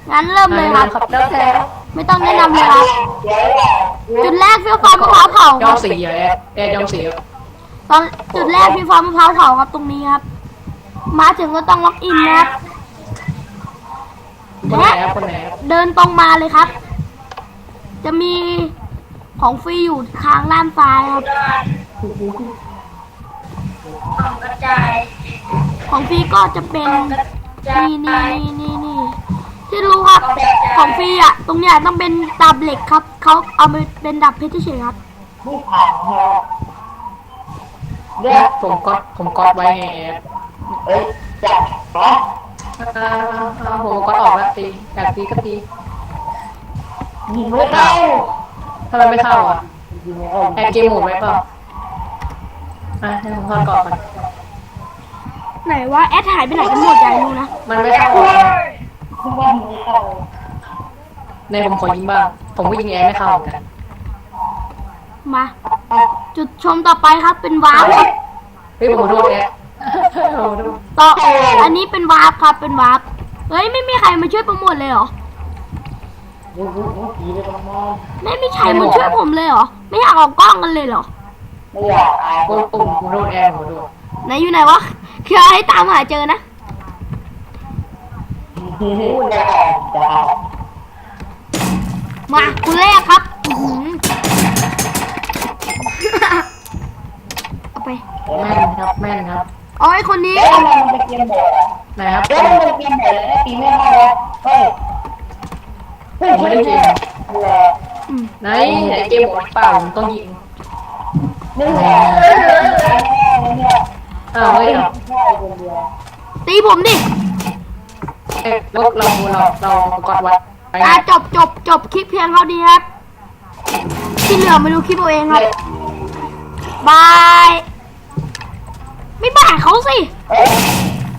งั้นเริ่มเลยครับแล้วแต่ไม่ต้องแนะนำเลยครับ จุดแรกพี่ฟ้ามะพร้าวเผาคยอรัมบสีเหรอแอร์ยอมสีเหรอตอนจุดแรกพี่ฟ้ามะพร้าวเผาครับตรงนี้ครับ มาถึงก็ต้องล็อกอินนะครับคนไหนครับคนไหนครับเดินตรงมาเลยครับ จะมีของฟรีอยู่ทางด้านซ้ายครับกระจายของฟรีก็จะเป็นนี่ที่รู้ครับ ของฟรีอ่ะ ตรงเนี้ยต้องเป็นดาบเหล็กครับ เขาเอาไปเป็นดาบเพชรเฉยๆครับไม่ผ่านฮะผมก๊อตไว้ไงแอร์เอ้ยจับนะผมก๊อตออกแล้วตีอยากตีก็ตียิงไม่เข้าทำไมไม่เข้าอ่ะยิงไม่เข้าแอร์เกมโหมดไว้เปล่าให้ผมทอดก่อนไหนว่าแอดหายไปไหนกันหมดใจรู้นะมันไม่เข้าคือว่ายิงไม่เข้าในผมขอยิงบ้างผมก็ยิงแอร์ไม่เข้าเหมือนกันมา จุดชมต่อไปครับเป็นวาร์ปครับเฮ้ยผมขอโทษแอร์โอ้โหต่ออันนี้เป็นวาร์ปครับเป็นวาร์ปเฮ้ยไม่มีใครมาช่วยโปรโมทเลยเหรอผีเลยประมาณไม่มีใครมาช่วยผมเลยเหรอ ไม่อยากออกกล้องกันเลยเหรอไม่อยากอายผมขอโทษแอร์ผมขอโทษไหนอยู่ไหนวะคือให้ตามหาเจอนะพูดได้จ้ามาคุณแรกครับอื้อหือ เอาไปแม่นครับแม่นครับเอาไอ้คนนี้เอ๊ะทำไมมันเป็นเกมโหมดอ่ะไหนครับเอ๊ะมันเป็นเกมโหมดเลยตีไม่ได้แล้วเฮ้ยเฮ้ยผมไม่ได้ยิงนี่แหละไหนเกมโหมดเปล่าผมต้องยิงนี่แหละเนี่ยอ้าวเฮ้ยใช่คนเดียวตีผมดิเรากดไว้จบคลิปเพียงเท่านี้ครับ ที่เหลือไม่รู้คลิปเอาเองครับ บาย